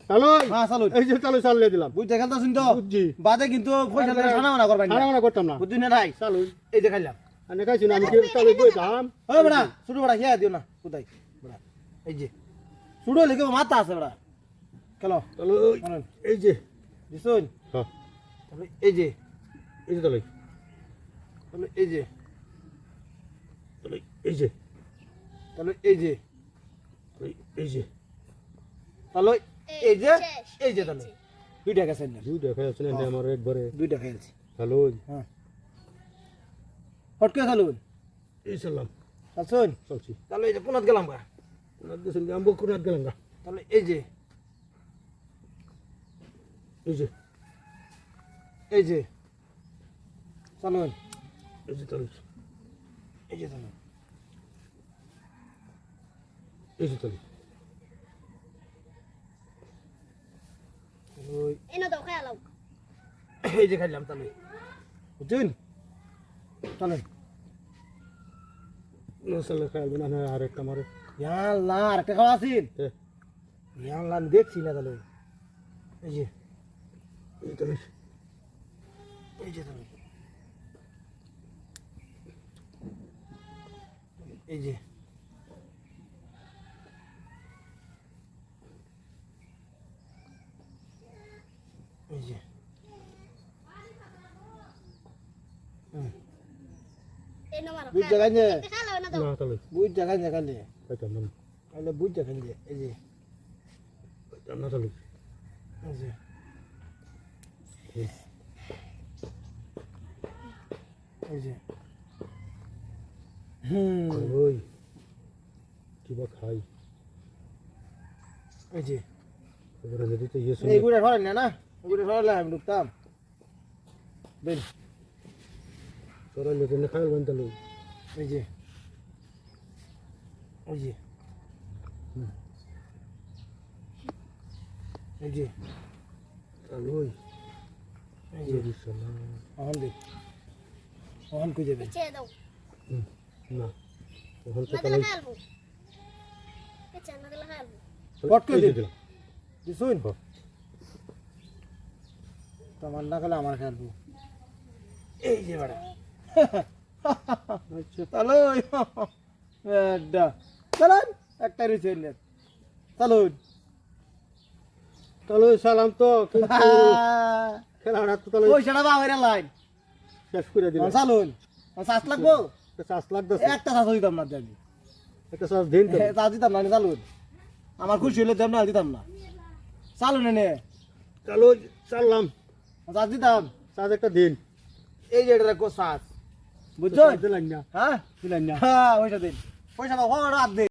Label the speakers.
Speaker 1: চালু
Speaker 2: হ্যাঁ চালু
Speaker 1: এই যে চালু চালিয়ে দিলাম
Speaker 2: বুঝতে খেলতেছেন তো
Speaker 1: বুঝছি
Speaker 2: বাদে কিন্তু পয়সা লাগে ছানা মানা করবেন
Speaker 1: আর আমরা করতাম না
Speaker 2: বুঝলি না ভাই
Speaker 1: চালু
Speaker 2: এই যে খাইলাম
Speaker 1: আমি খাইছি না আমি কি চালু বইতাম
Speaker 2: ও বড়া ছোট বড়া খেয়ে দিও না কোথায় বড়া এই যে ছোট লেগে মাথা আছে বড়া খেলো
Speaker 1: চালু
Speaker 2: বলেন
Speaker 1: এই যে
Speaker 2: দিছুন
Speaker 1: হ্যাঁ
Speaker 2: তাহলে এই যে
Speaker 1: এই যে চালু
Speaker 2: তাহলে এই যে
Speaker 1: চালু এই যে
Speaker 2: তাহলে এই যে
Speaker 1: এই যে
Speaker 2: তাহলে এই যে এই যে তাহলে দুইটা গেছে না
Speaker 1: দুইটা খাইছেন না আমার একবারে
Speaker 2: দুইটা খেয়েছি
Speaker 1: চালু
Speaker 2: হ্যাঁ হটকে চালুন
Speaker 1: এই সালাম
Speaker 2: চালছুন
Speaker 1: চলছি
Speaker 2: তাহলে এই যে কোনাত গেলাম গা
Speaker 1: কোনাত গেছেন যে আমবো কোনাত গেলাম গা
Speaker 2: তাহলে এই যে
Speaker 1: এই যে
Speaker 2: এই যে চালুন
Speaker 1: এই যে চালু
Speaker 2: এই যে চালুন
Speaker 1: এই যে চালু
Speaker 2: ওই
Speaker 3: এনে দাও খেয়ালাও
Speaker 2: এই যে খাইলাম তাহলে বুঝছেন চলেন
Speaker 1: নসালে খাইবে না আর একটা মারে
Speaker 2: ইয়াল্লাহ আর একটা খাওয়া আছেন ইয়াল্লাহ আমি দেখছি না তাহলে এই যে
Speaker 1: এই চালু
Speaker 2: এই যে তাহলে এই যে এই যে
Speaker 3: এনে মারো
Speaker 2: বুঝ জায়গায় যে
Speaker 3: খেয়ালাও এনে দাও
Speaker 1: না চালু
Speaker 2: বুঝ জায়গায় যে খাইলে
Speaker 1: খাইতাম না
Speaker 2: খাইলে বুঝ জায়গায় যে এই যে
Speaker 1: খাইতাম না চালু
Speaker 2: এই যে এই যে
Speaker 1: ওই কিবা খাই
Speaker 2: এই যে
Speaker 1: এবারে যদি তো ইয়ে
Speaker 2: এই গুড়ে সরাই না গুড়ে সরাইলে আমি ঢুকতাম বেন
Speaker 1: সরাইলে তো খাইবেন চালু
Speaker 2: এই যে এই যে এই যে
Speaker 1: চালু
Speaker 2: এই যে
Speaker 1: সালাম
Speaker 2: অহন দেখ অহন কই যাবে
Speaker 3: পিছে দাও
Speaker 1: না এখন তো
Speaker 3: না দিলে খেয়ালবো পিছে না দিলে খেয়ালবো
Speaker 2: পট করে
Speaker 1: এই যে
Speaker 2: দে
Speaker 1: দিলাম।
Speaker 2: দিছুন তোমার না খেলে আমার খেলবো এই যে বাড়া
Speaker 1: আচ্ছা
Speaker 2: চলো চলুন একটা রয়েছে চলুন
Speaker 1: চালু সালাম তো কিন্তু খেলাটা তো তাহলে
Speaker 2: পয়সাটা বাবাইরা লাইন
Speaker 1: শেষ করে দিলাম
Speaker 2: চলুন চাষ লাগবো
Speaker 1: একটা চাষ লাগতেছে
Speaker 2: একটা চাষ দিতাম না আমি
Speaker 1: একটা চাষ দিন তো
Speaker 2: চাষ দিতাম না চালুন আমার খুশি হলে দেব না দিতাম না চালুন এনে
Speaker 1: চালু চাললাম
Speaker 2: চাষ দিতাম
Speaker 1: চাষ একটা দিন
Speaker 2: এই যে এটা রাখো চাষ বুঝছো
Speaker 1: দিলাম না
Speaker 2: হ্যাঁ
Speaker 1: দিলাম না
Speaker 2: হ্যাঁ পয়সা দিন পয়সা দাও হাত দে